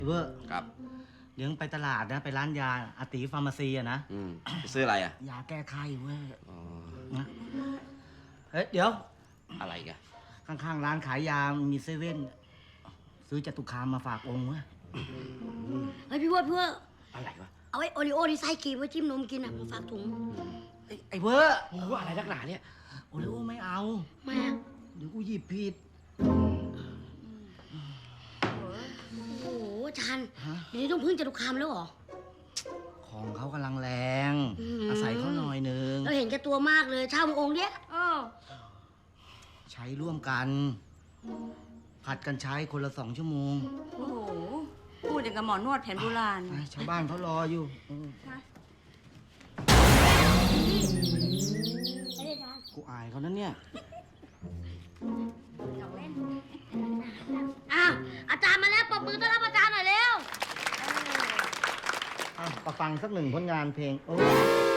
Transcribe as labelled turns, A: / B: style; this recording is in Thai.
A: เวอร์
B: ครับ
A: เดี๋ยวไปตลาดนะไปร้านยาอาติฟาร์มาซีอะนะ
B: ไปซื้ออะไรอ่ะ
A: ยาแก้ไข้เว้ย
B: อ๋อ
A: นะเฮ้ยเดี๋ยว
B: อะไรกัน
A: ข้างๆร้านขายยามีเซเว่นซื้อจตุคามมาฝากองค์เว้ย
C: เฮ้ยพี่เวอร์พี่เวอร์
B: อะไรวะ
C: เอาไอ้โอริโอที่ไส้ครีมไว้จิ้มนมกินอ่ะมาฝากถุง
A: ไอ้เวอร์
B: โอ้โหอะไรนักหนาเนี่ย
A: โอริโอไม่เอา
C: แม่
A: เดี๋ยวกูหยิบผิด
C: โอ้โหอาจารย์
A: ฮะ
C: เดี๋ยวนี้ต้องพึ่งจตุคามแล้วเหรอ
A: ของเขากำลังแรง
C: อืม
A: อาศัยเขาหน่อยนึง
C: เราเห็นแก่ตัวมากเลยเช่ามาองค์เนี้ย
A: ใช้ร่วมกันผัดกันใช้คนละ2 ชั่วโมง
D: โอ้โห พูดอย่างกับหมอนวดแผนโบราณ
A: ชาวบ้านเขารออยู่
C: ไม่ได้อาจารย์
A: กูอายเขานั้นเนี่ย
C: อ้าวอาจารย์มาแล้วปรบมือต้อนรับอาจารย์หน่อยเร็ว
A: ประฟังสัก1 ผลงานเพลงโอ้